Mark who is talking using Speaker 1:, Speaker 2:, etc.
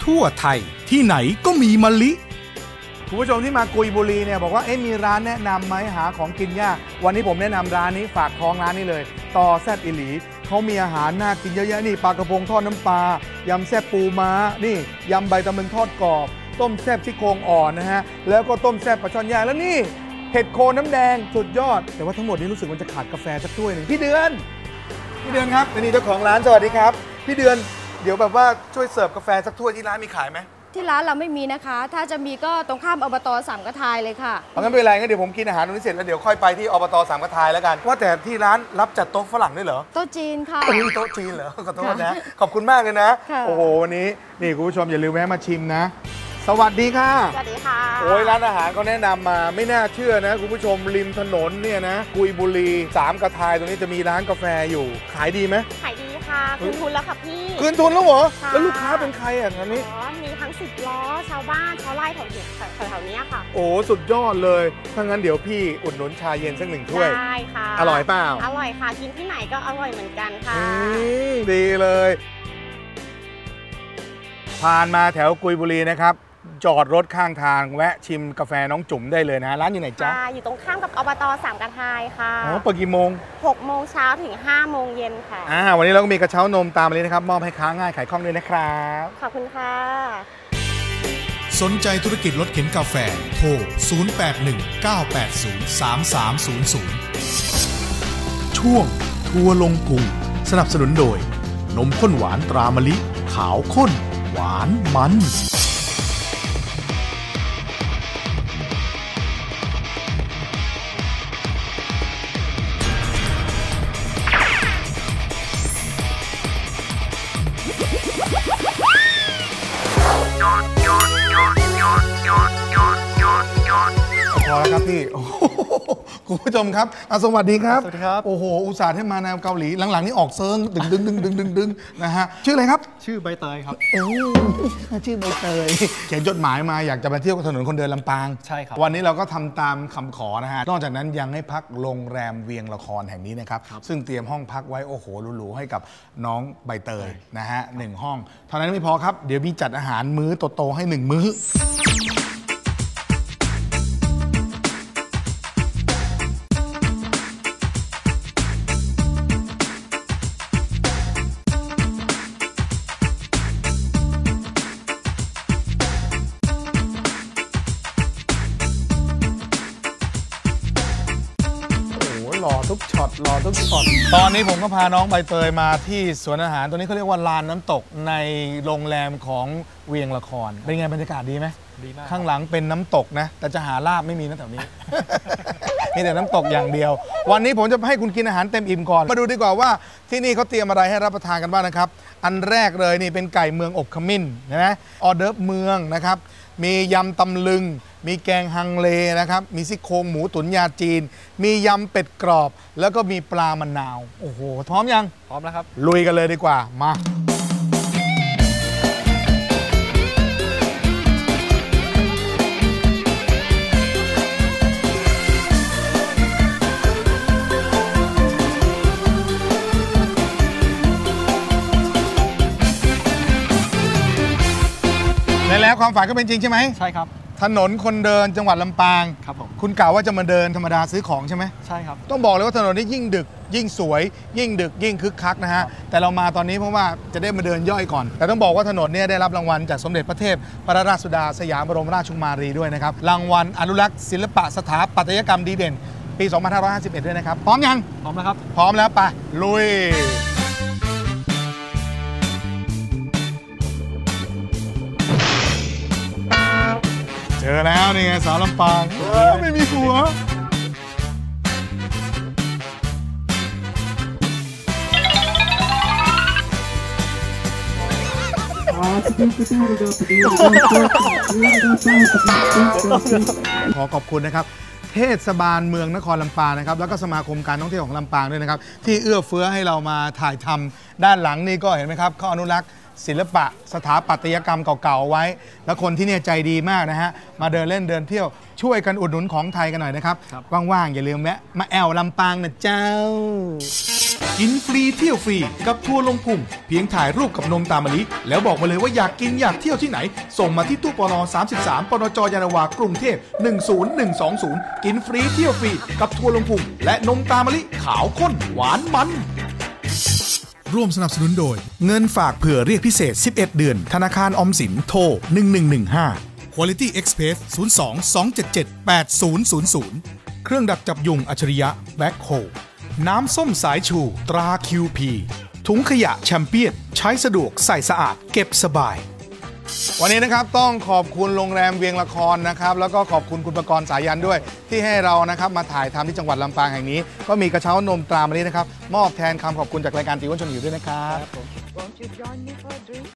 Speaker 1: ทั่วไทยที่ไหนก็มีมะลิ
Speaker 2: คุณผู้ชมที่มากุยบุรีเนี่ยบอกว่ามีร้านแนะนำไหมหาของกินยากวันนี้ผมแนะนำร้านนี้ฝากท้องร้านนี้เลยต่อแซ่บอิหลีเขามีอาหารน่ากินเยอะแยะนี่ปลากระพงทอดน้ำปลายำแซ่บปูม้านี่ยำใบตำลึงทอดกรอบต้มแซ่บซี่โครงอ่อนนะฮะแล้วก็ต้มแซ่บปลาช่อนย่างแล้วนี่เห็ดโคนน้ำแดงสุดยอดแต่ว่าทั้งหมดนี้รู้สึกมันจะขาดกาแฟสักถ้วยหนึ่งพี่เดือนครับนี่เจ้าของร้านสวัสดีครับพี่เดือนเดี๋ยวแบบว่าช่วยเสิร์ฟกาแฟสักถ้วยที่ร้านมีขายไหม
Speaker 3: ที่ร้านเราไม่มีนะคะถ้าจะมีก็ตรงข้ามอบต.สามกระทายเลยค่ะ
Speaker 2: งั้นไม่เป็นไรงั้นเดี๋ยวผมกินอาหารตรงนี้เสร็จแล้วเดี๋ยวค่อยไปที่อบต.สามกระทายแล้วกันว่าแต่ที่ร้านรับจัดโต๊ะฝรั่งด้วยเหรอ
Speaker 3: โต๊ะจีนค่ะ
Speaker 2: โต๊ะจีนเหรอขอโทษนะขอบคุณมากเลยนะโอ้โหวันนี้นี่คุณผู้ชมอย่าลืมแวะมาชิมนะสวัสดีค่ะ
Speaker 3: สวัสดีค่ะ
Speaker 2: โอ้ยร้านอาหารเขาแนะนำมาไม่น่าเชื่อนะคุณผู้ชมริมถนนเนี่ยนะกุยบุรีสามกระทายตรงนี้จะมีร้านกาแฟอยู่ขายดีไหม
Speaker 4: ขายดีค่ะคืนทุนแล้วค่ะพี่
Speaker 2: คืนทุนแล้วเหรอแล้วลูกค้าเป็นใครอ่ะตอนนี้
Speaker 4: มีทั้ง10 ล้อชาวบ้านชาวไร่แถวนี้ค่ะ
Speaker 2: โอ้สุดยอดเลยถ้างั้นเดี๋ยวพี่อุดหนุนชาเย็นสัก1 ถ้วย
Speaker 4: ได้ค่ะ
Speaker 2: อร่อยเปล่า
Speaker 4: อร่อยค่ะกินที่ไหนก็อร่อยเหมือนกันค่ะ
Speaker 2: ดีเลยผ่านมาแถวกุยบุรีนะครับจอดรถข้างทางแวะชิมกาแฟน้องจุ๋มได้เลยนะร้านอยู่ไหนจ๊ะ
Speaker 4: อยู่ตรงข้ามกับอบต.สามกระทายค่ะ
Speaker 2: เปิดกี่โมง
Speaker 4: 6 โมงเช้าถึง5 โมงเย็นค่ะ
Speaker 2: วันนี้เราก็มีกระเช้านมตามมาเลยนะครับมอบให้ค้าง่ายขายคล่องด้วยนะครับ
Speaker 4: ขอบคุณค่ะ
Speaker 1: สนใจธุรกิจรถเข็นกาแฟโทร0819803300ช่วงทัวร์ลงพุงสนับสนุนโดยนมข้นหวานตรามะลิขาวข้นหวานมัน
Speaker 2: พอแล้วครับพี่คุณผู้ชมครับสวัสดีครับ
Speaker 5: สวัสดีครับ
Speaker 2: โอ้โหอุตส่าห์ให้มาแนวเกาหลีหลังๆนี่ออกเซิงดึงนะฮะชื่ออะไรครับ
Speaker 5: ชื่อใบเตยครับ
Speaker 2: ชื่อใบเตยเขียนจดหมายมาอยากจะไปเที่ยวถนนคนเดินลำปาง
Speaker 5: ใช่ครับ
Speaker 2: วันนี้เราก็ทำตามคำขอนะฮะนอกจากนั้นยังให้พักโรงแรมเวียงละครแห่งนี้นะครับซึ่งเตรียมห้องพักไว้โอ้โหหรูๆให้กับน้องใบเตยนะฮะ1 ห้องเท่านั้นไม่พอครับเดี๋ยวมีจัดอาหารมื้อโตๆให้1 มื้อรอทุกช็อตตอนนี้ผมก็พาน้องใบเตยมาที่สวนอาหารตัวนี้เขาเรียกว่าลานน้ำตกในโรงแรมของเวียงละครเป็นไงบรรยากาศดีไหม
Speaker 5: ดีมาก
Speaker 2: ข้างหลังเป็นน้ำตกนะแต่จะหาลาบไม่มีนะแถวนี้ มีแต่น้ำตกอย่างเดียววันนี้ผมจะให้คุณกินอาหารเต็มอิ่มก่อนมาดูดีกว่าว่าที่นี่เขาเตรียมอะไรให้รับประทานกันบ้างนะครับอันแรกเลยนี่เป็นไก่เมืองอบขมิ้นนะออเดิร์ฟเมืองนะครับมียำตำลึงมีแกงฮังเลนะครับมีซี่โครงหมูตุ๋นยาจีนมียำเป็ดกรอบแล้วก็มีปลามะนาวโอ้โหพร้อมยัง
Speaker 5: พร้อมแล้วครับ
Speaker 2: ลุยกันเลยดีกว่ามาแล้วความฝันก็เป็นจริงใช่ไหม
Speaker 5: ใช่ครับ
Speaker 2: ถนนคนเดินจังหวัดลำปาง
Speaker 5: ครับผม
Speaker 2: คุณกล่าวว่าจะมาเดินธรรมดาซื้อของใช่ไหม
Speaker 5: ใช่ครับ
Speaker 2: ต้องบอกเลยว่าถนนนี้ยิ่งดึกยิ่งสวยยิ่งดึกยิ่งคึกคักนะฮะแต่เรามาตอนนี้เพราะว่าจะได้มาเดินย่อยก่อนแต่ต้องบอกว่าถนนนี้ได้รับรางวัลจากสมเด็จพระเทพพระราชสุดาสยามบรมราชกุมารีด้วยนะครับรางวัลอนุรักษ์ศิลปะสถาปัตยกรรมดีเด่นปี 2551 ด้วยนะครับพร้อมยัง
Speaker 5: พร้อมแล้วครับ
Speaker 2: พร้อมแล้วไปลุยเจอแล้วนี่ไงสาวลำปางไม่มีหัวขอขอบคุณนะครับเทศบาลเมืองนครลำปางนะครับแล้วก็สมาคมการท่องเที่ยวของลำปางด้วยนะครับที่เอื้อเฟื้อให้เรามาถ่ายทำด้านหลังนี่ก็เห็นไหมครับเขาอนุรักษ์ศิลปะสถาปัตยกรรมเก่าๆไว้แล้วคนที่นี่ใจดีมากนะฮะมาเดินเล่นเดินเที่ยวช่วยกันอุดหนุนของไทยกันหน่อยนะครับว่างๆอย่าลืมแวะมาแอวลำปางนะเจ้า
Speaker 1: กินฟรีเที่ยวฟรีกับทัวร์ลงพุงเพียงถ่ายรูปกับนมตามมะลิแล้วบอกมาเลยว่าอยากกินอยากเที่ยวที่ไหนส่งมาที่ตู้ปน33ปนจยานนาวากรุงเทพ10120กินฟรีเที่ยวฟรีกับทัวร์ลงพุงและนมตามมะลิขาวข้นหวานมันร่วมสนับสนุนโดยเงินฝากเผื่อเรียกพิเศษ11เดือนธนาคารออมสินโทร1115 Quality Express 02-277-8000 เครื่องดักจับยุงอัจฉริยะแบ็คโฮน้ำส้มสายชูตรา QP ถุงขยะแชมเปี้ยนใช้สะดวกใส่สะอาดเก็บสบายวันนี้นะครับต้องขอบคุณโรงแรมเวียงละครนะครับแล้วก็ขอบคุณคุณประกรณ์สายันด้วยที่ให้เรานะครับมาถ่ายทำที่จังหวัดลำปางแห่งนี้ก็มีกระเช้านมตรามะลินะครับมอบแทนคำขอบคุณจากรายการตีอ้วนชวนหิวด้วยนะครับ
Speaker 5: Won't you join me for a drink?